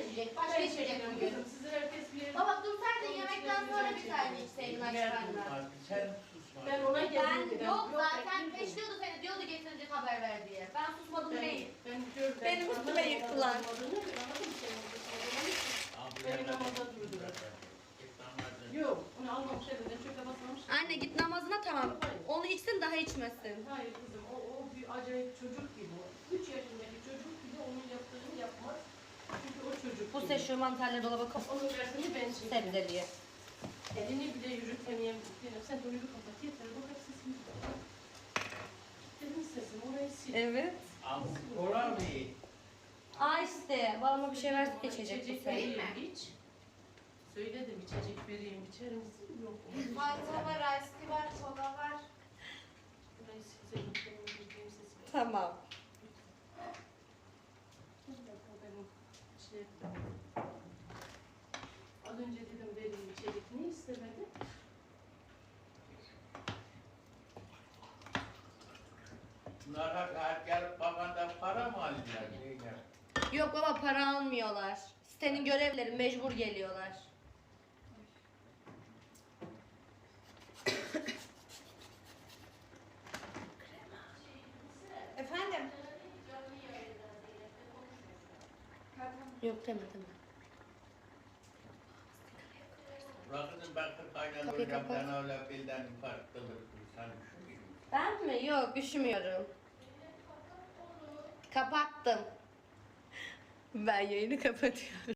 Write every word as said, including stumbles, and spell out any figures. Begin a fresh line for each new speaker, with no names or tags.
içecek. Başka
Ben
içecek
içeceğim
bugün.
kızım. Sizin herkes bir
Baba dur sen de
Onun
yemekten
içine
sonra
bir
bir tane
şey
içseydin
Ben
açıklarla.
susma, sen susma.
Ben ona
Ben
geldim.
yok zaten peşliyordu seni diyordu getirecek haber ver diye. Ben susmadım
Ben,
değil.
ben gördüm.
Benim üstüme yıktılar.
Beni namaza durdular. Yok, onu almamış elinden çöpe basmamış.
Anne git namazına tamam. Onu içsin daha içmesin.
Hayır kızım, o, o bir acayip çocuk gibi o. Üç yaşındaki çocuk gibi onun yaptığını yapmaz. Çünkü o çocuk
Bu
gibi.
sefer şu mantarları dolaba koy.
Onun dersini ben çekeyim.
Sebzeliye.
Elini bile yürütemeyen benim. Sen dolabı kapat yeter. Bu kadar sesini kapat. Dedim sesim, orayı sil.
Evet.
Al, kola mı?
Aa işte babama bir şey versin içecek bu
İçecek
sefer.
vereyim iç. Söyledim içecek vereyim içer misin? Yok.
Fanta var, ice tea var, kola var.
Burayı silseydim benim bildiğim sesi.
Tamam.
Bir dakika benim şey... Az önce dedim vereyim içecek. Ne istemedi?
Bunlar hak gelip babandan para mı alıyorlar? Neyler?
Yok baba para almıyorlar. Sitenin görevleri mecbur geliyorlar.
Efendim?
Yok demedim.
Bırakın ben kırk aynen
Kapıyı
hocam
kapat.
ben öyle bilden farklıdır. Sen düşünmüyor musun?
Ben mi? Yok üşümüyorum. Kapattım. Ben yayını kapatıyorum.